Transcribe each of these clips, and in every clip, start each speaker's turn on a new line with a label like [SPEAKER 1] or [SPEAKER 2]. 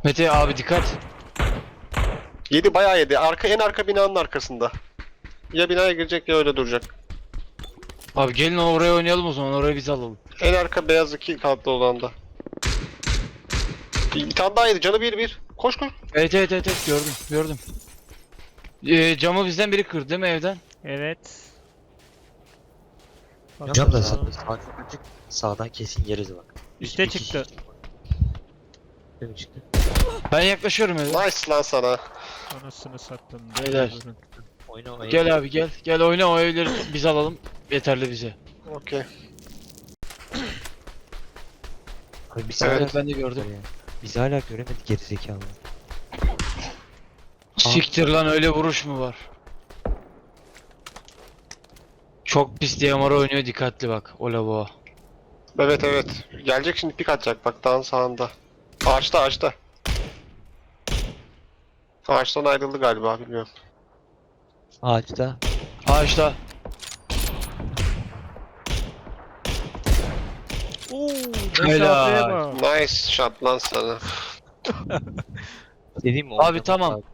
[SPEAKER 1] Mete abi dikkat.
[SPEAKER 2] Yedi, bayağı yedi. En arka binanın arkasında. Ya binaya girecek ya öyle duracak.
[SPEAKER 1] Abi gelin oraya oynayalım o zaman, orayı biz alalım.
[SPEAKER 2] En arka beyaz 2 katlı olanda. Bir tane daha yedi. Canı bir. Koş koş.
[SPEAKER 1] Evet, gördüm. Camı bizden biri kırdı değil mi evden?
[SPEAKER 3] Evet.
[SPEAKER 4] Cam da
[SPEAKER 3] Bakalım.
[SPEAKER 4] açık. Sağdan kesin yeriz bak.
[SPEAKER 3] Üste
[SPEAKER 4] Bir kişi
[SPEAKER 3] çıktı.
[SPEAKER 4] Değil mi çıktı?
[SPEAKER 1] Ben yaklaşıyorum eve.
[SPEAKER 2] Nice lan sana.
[SPEAKER 3] Anasını sattım.
[SPEAKER 1] Beyler.
[SPEAKER 3] Durun.
[SPEAKER 4] Oyna.
[SPEAKER 1] Gel abi gel. Gel oyna, o evleri biz alalım. Yeterli bize.
[SPEAKER 2] Okey.
[SPEAKER 4] Abi biz
[SPEAKER 2] Evet,
[SPEAKER 4] hala
[SPEAKER 1] ben de gördüm.
[SPEAKER 4] Biz hala göremedik gerizekalı.
[SPEAKER 1] Siktir lan, öyle vuruş mu var? Çok pis DMR oynuyor, dikkatli bak o lavuğa.
[SPEAKER 2] Evet. Gelecek şimdi, pik atacak bak dağın sağında. Ağaçta. Ağaçtan ayrıldı galiba, bilmiyorum.
[SPEAKER 4] Ağaçta.
[SPEAKER 1] Ağaçta.
[SPEAKER 3] Oo,
[SPEAKER 1] Helal.
[SPEAKER 3] mesafeye bak.
[SPEAKER 2] Nice shot lan sana.
[SPEAKER 4] Dediğim mi?
[SPEAKER 1] Abi
[SPEAKER 4] oynamak
[SPEAKER 1] tamam.
[SPEAKER 4] lazım.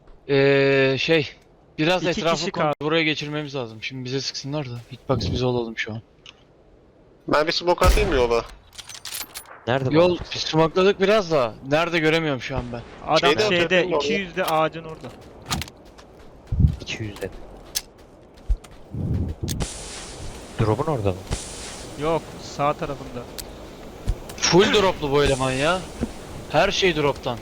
[SPEAKER 1] Biraz
[SPEAKER 3] İki
[SPEAKER 1] etrafı
[SPEAKER 3] kişi kaldı.
[SPEAKER 1] buraya geçirmemiz lazım. Şimdi bize sıksınlar da. Hitbox biz olalım şu an.
[SPEAKER 2] Ben bir smoke atayım mı yola?
[SPEAKER 4] Nerede
[SPEAKER 1] Yol
[SPEAKER 4] bak?
[SPEAKER 1] smokladık biraz da. Nerede göremiyorum şu an ben.
[SPEAKER 3] Adam
[SPEAKER 2] Şeyde
[SPEAKER 3] şeyde
[SPEAKER 2] yapıyordum
[SPEAKER 3] 200'de ağacın orada.
[SPEAKER 4] 200'de. Drop'un orada mı?
[SPEAKER 3] Yok, sağ tarafında.
[SPEAKER 1] Full droplu bu eleman ya. Her şey droptan.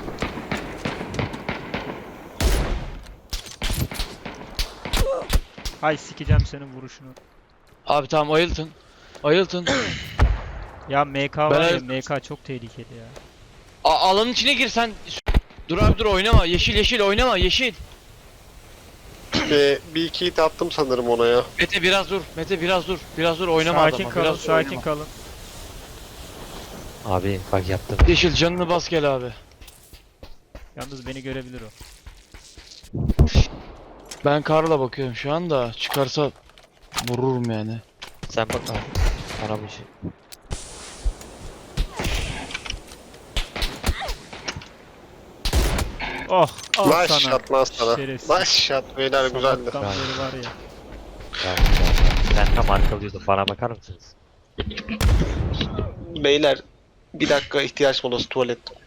[SPEAKER 3] Hay sikeceğim senin vuruşunu.
[SPEAKER 1] Abi tamam, ayıltın. Ayıltın.
[SPEAKER 3] Ya MK var ya,
[SPEAKER 1] Ben-
[SPEAKER 3] MK çok tehlikeli ya.
[SPEAKER 1] Alanın içine gir sen. Dur abi dur, oynama. Yeşil oynama, yeşil.
[SPEAKER 2] Bir iki hit attım sanırım ona ya.
[SPEAKER 1] Mete biraz dur. Mete biraz dur. Biraz dur, oynama
[SPEAKER 3] Sakin
[SPEAKER 1] adama.
[SPEAKER 3] kalın,
[SPEAKER 1] Biraz dur,
[SPEAKER 3] sakin
[SPEAKER 1] oynama.
[SPEAKER 3] kalın.
[SPEAKER 4] Abi bak yaptım.
[SPEAKER 1] Yeşil canını bas gel abi.
[SPEAKER 3] Yalnız beni görebilir o.
[SPEAKER 1] Ben Karl'a bakıyorum şu anda. Çıkarsa vururum yani.
[SPEAKER 4] Sen bak abi. Bana bir şey.
[SPEAKER 3] Oh, al
[SPEAKER 2] Nice
[SPEAKER 3] sana.
[SPEAKER 2] shot lan sana.
[SPEAKER 3] Şerefsiz.
[SPEAKER 2] Nice shot beyler, güzeldi.
[SPEAKER 3] Sabahtan beri var ya.
[SPEAKER 4] Sen tam arkalıyordun. Bana bakar mısınız?
[SPEAKER 2] Beyler bir dakika ihtiyaç molası, tuvalet.